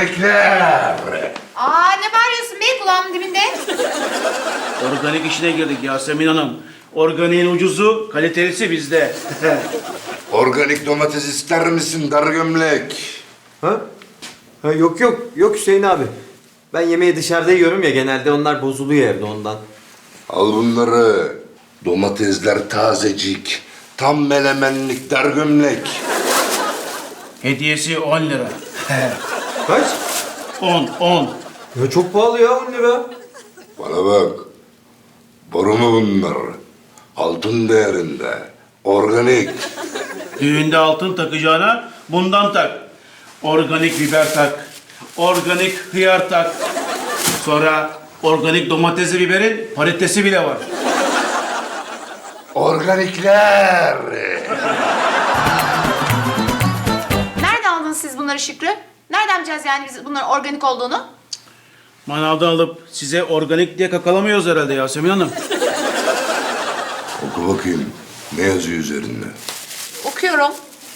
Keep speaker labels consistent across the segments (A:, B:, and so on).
A: Organikler.
B: Aa ne bağırıyorsun be kulağımın dibinde?
C: Organik işine girdik Yasemin Hanım. Organiğin ucuzu, kalitelisi bizde.
A: Organik domates ister misin dar gömlek?
D: Ha? Ha yok yok. Yok Hüseyin abi. Ben yemeği dışarıda yiyorum ya genelde onlar bozuluyor evde ondan.
A: Al bunları. Domatesler tazecik. Tam melemenlik dar gömlek.
C: Hediyesi 10 lira.
D: Kaç?
C: 10.
D: Ya çok pahalı ya 10 lira.
A: Bana bak. Boru mu bunlar? Altın değerinde. Organik.
C: Düğünde altın takacağına bundan tak. Organik biber tak. Organik hıyar tak. Sonra organik domatesi biberin paritesi bile var.
A: Organikler.
B: Nerede aldınız siz bunları Şükrü? Nereden bileceğiz yani biz bunların organik olduğunu?
C: Manavdan alıp size organik diye kakalamıyoruz herhalde Yasemin Hanım.
A: Oku bakayım. Ne yazıyor üzerinde?
B: Okuyorum.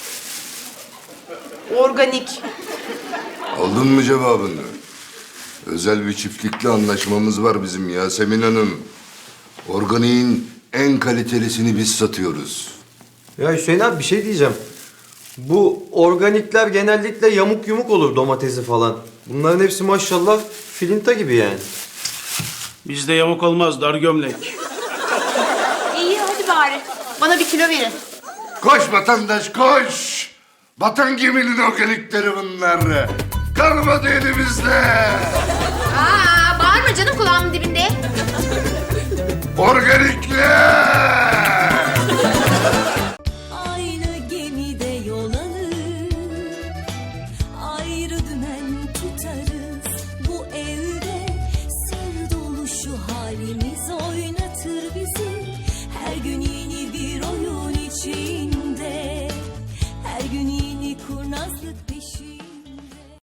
B: Organik.
A: Aldın mı cevabını? Özel bir çiftlikle anlaşmamız var bizim Yasemin Hanım. Organiğin en kalitelisini biz satıyoruz.
D: Ya Hüseyin abi bir şey diyeceğim. Bu organikler genellikle yamuk yumuk olur domatesi falan. Bunların hepsi maşallah filinta gibi yani.
C: Bizde yamuk olmaz dar gömlek.
B: İyi hadi bari. Bana bir kilo verin.
A: Koş vatandaş koş! Vatan geminin organikleri bunlar. Kalmadı elimizde.
B: Aa bağırma canım kulağımın dibinde.
A: Organikler!